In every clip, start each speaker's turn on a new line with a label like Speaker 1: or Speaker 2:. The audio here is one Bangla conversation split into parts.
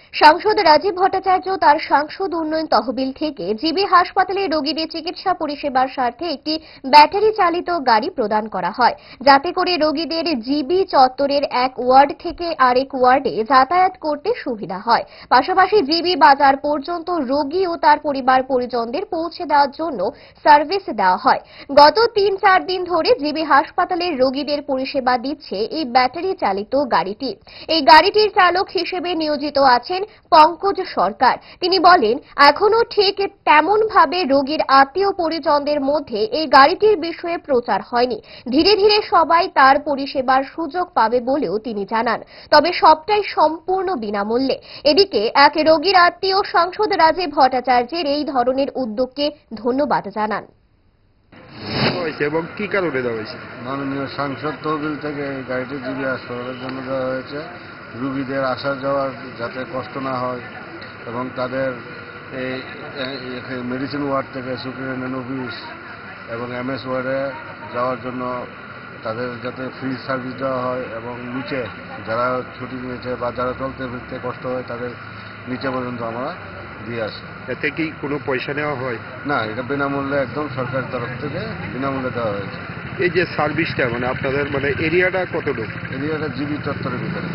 Speaker 1: সাংসদ রাজীব ভট্টাচার্য তার সাংসদ উন্নয়ন তহবিল থেকে জিবি হাসপাতালে রোগীদের চিকিৎসা পরিষেবার স্বার্থে একটি ব্যাটারি চালিত গাড়ি প্রদান করা হয়, যাতে করে রোগীদের জিবি চত্বরের এক ওয়ার্ড থেকে আরেক ওয়ার্ডে যাতায়াত করতে সুবিধা হয়। পাশাপাশি জিবি বাজার পর্যন্ত রোগী ও তার পরিবার পরিজনদের পৌঁছে দেওয়ার জন্য সার্ভিস দেওয়া হয়। গত ৩-৪ দিন ধরে জিবি হাসপাতালের রোগীদের পরিষেবা দিচ্ছে এই ব্যাটারি চালিত গাড়িটি। এই গাড়িটির চালক হিসেবে নিয়োজিত আছেন পঙ্কজ সরকার। তিনি বলেন, এখনো ঠিক তেমন ভাবে রোগীর আত্মীয় পরিজনদের মধ্যে এই গাড়িটির বিষয়ে প্রচার হয়নি। ধীরে ধীরে সবাই তার পরিষেবার সুযোগ পাবে বলেও তিনি জানান। তবে সবটাই সম্পূর্ণ বিনামূল্যে। এদিকে এক রোগীর আত্মীয় সাংসদ রাজীব ভট্টাচার্যের এই ধরনের উদ্যোগকে ধন্যবাদ জানান।
Speaker 2: এবং কি কারণে দেওয়া হয়েছে?
Speaker 3: মাননীয় সাংসদ তহবিল থেকে এই গাড়িটি জিবি হাসপাতালের জন্য দেওয়া হয়েছে। রুগীদের আসা যাওয়ার যাতে কষ্ট না হয় এবং তাদের এই মেডিসিন ওয়ার্ড থেকে সুপারিনটেনডেন্ট অফিস এবং এমএস ওয়ার্ডে যাওয়ার জন্য তাদের যাতে ফ্রি সার্ভিস দেওয়া হয় এবং নিচে যারা ছুটি নিয়েছে বা যারা চলতে ফিরতে কষ্ট হয় তাদের নিচে পর্যন্ত আমরা দিয়ে আসি।
Speaker 2: এতে কি কোনো পয়সা নেওয়া হয়?
Speaker 3: না, এটা বিনামূল্যে একদম সরকারের তরফ থেকে বিনামূল্যে দেওয়া হয়েছে।
Speaker 2: এই যে সার্ভিসটা আপনাদের এরিয়াটা কতটুকু?
Speaker 3: এরিয়াটা জিবি চত্বরের ভিতরে।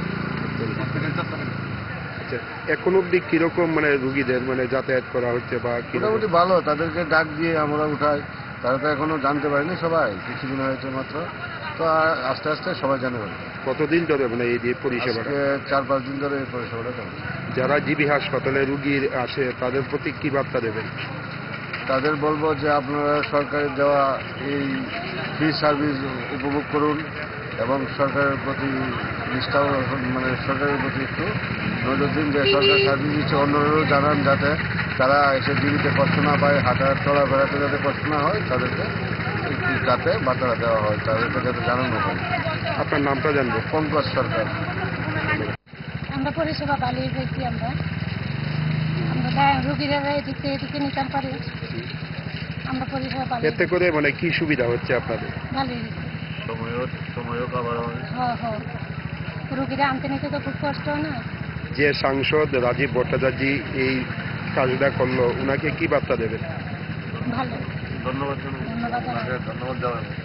Speaker 2: আচ্ছা, এখন অব্দি কিরকম রুগীদের যাতায়াত করা হচ্ছে বা
Speaker 3: মোটামুটি ভালো, তাদেরকে ডাক দিয়ে আমরা উঠাই। তারা তো এখনো জানতে পারেনি, সবাই কিছুদিন হয়েছে মাত্র, তো আস্তে আস্তে সবাই জানে পারে।
Speaker 2: কতদিন ধরে এই পরিষেবাটা?
Speaker 3: 4-5 দিন ধরে এই পরিষেবাটা চলছে।
Speaker 2: যারা জিবি হাসপাতালে রুগীর আসে তাদের প্রতি কি বার্তা দেবেন?
Speaker 3: তাদের বলবো যে আপনারা সরকারের দেওয়া এই ফ্রি সার্ভিস উপভোগ করুন এবং সরকারের প্রতি নিষ্ঠা সরকারের প্রতি একটু নজর দিন যে সরকার সার্ভিস দিচ্ছে, অন্যরাও জানান যাতে তারা এসে জীবিতে কষ্ট না পায়, হাঁটা চলাফেরাতে যাতে কষ্ট না হয়, তাদেরকে যাতে বার্তাটা দেওয়া হয়, তাদেরকে যাতে জানানো হয়।
Speaker 2: আপনার নামটা জানবো?
Speaker 3: পঙ্কজ সরকার।
Speaker 4: আমরা পরিষেবা ভালোই পেয়েছি। আমরা রোগীরা এদিকে নিতাম পারি। আমরা পরিষেবা ভালো।
Speaker 2: এতে করে কি সুবিধা হচ্ছে আপনাদের?
Speaker 4: ভালোই
Speaker 3: সময়ও কভার হয়।
Speaker 4: হ্যাঁ, রোগীরা আনতে নিতে তো খুব কষ্ট হয় না।
Speaker 2: যে সাংসদ রাজীব ভট্টাচার্য এই কাজটা করলো, উনাকে কি বার্তা দেবেন?
Speaker 4: ভালো।
Speaker 3: ধন্যবাদ
Speaker 4: ধন্যবাদ।
Speaker 3: ধন্যবাদ দেওয়া